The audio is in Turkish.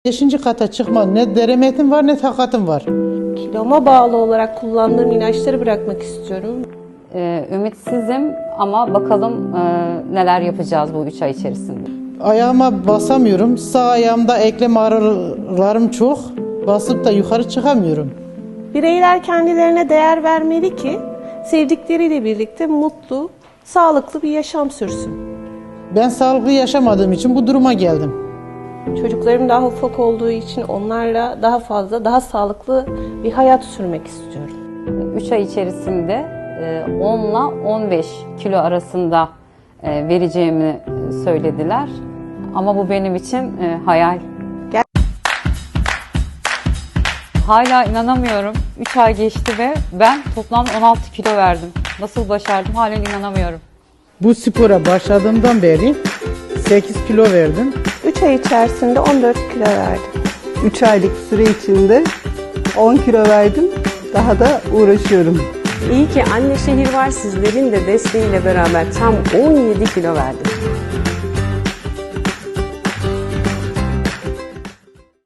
Beşinci kata çıkma ne deremetim var ne takatım var. Kiloma bağlı olarak kullandığım ilaçları bırakmak istiyorum. Ümitsizim ama bakalım neler yapacağız bu 3 ay içerisinde. Ayağıma basamıyorum. Sağ ayağımda eklem ağrılarım çok. Basıp da yukarı çıkamıyorum. Bireyler kendilerine değer vermeli ki sevdikleriyle birlikte mutlu, sağlıklı bir yaşam sürsün. Ben sağlıklı yaşamadığım için bu duruma geldim. Çocuklarım daha ufak olduğu için onlarla daha fazla, daha sağlıklı bir hayat sürmek istiyorum. 3 ay içerisinde 10 ile 15 kilo arasında vereceğimi söylediler. Ama bu benim için hayal. Hala inanamıyorum. 3 ay geçti ve ben toplam 16 kilo verdim. Nasıl başardım halen inanamıyorum. Bu spora başladığımdan beri 8 kilo verdim. 3 ay içerisinde 14 kilo verdim. 3 aylık süre içinde 10 kilo verdim. Daha da uğraşıyorum. İyi ki Anne Şehir var, sizlerin de desteğiyle beraber tam 17 kilo verdim.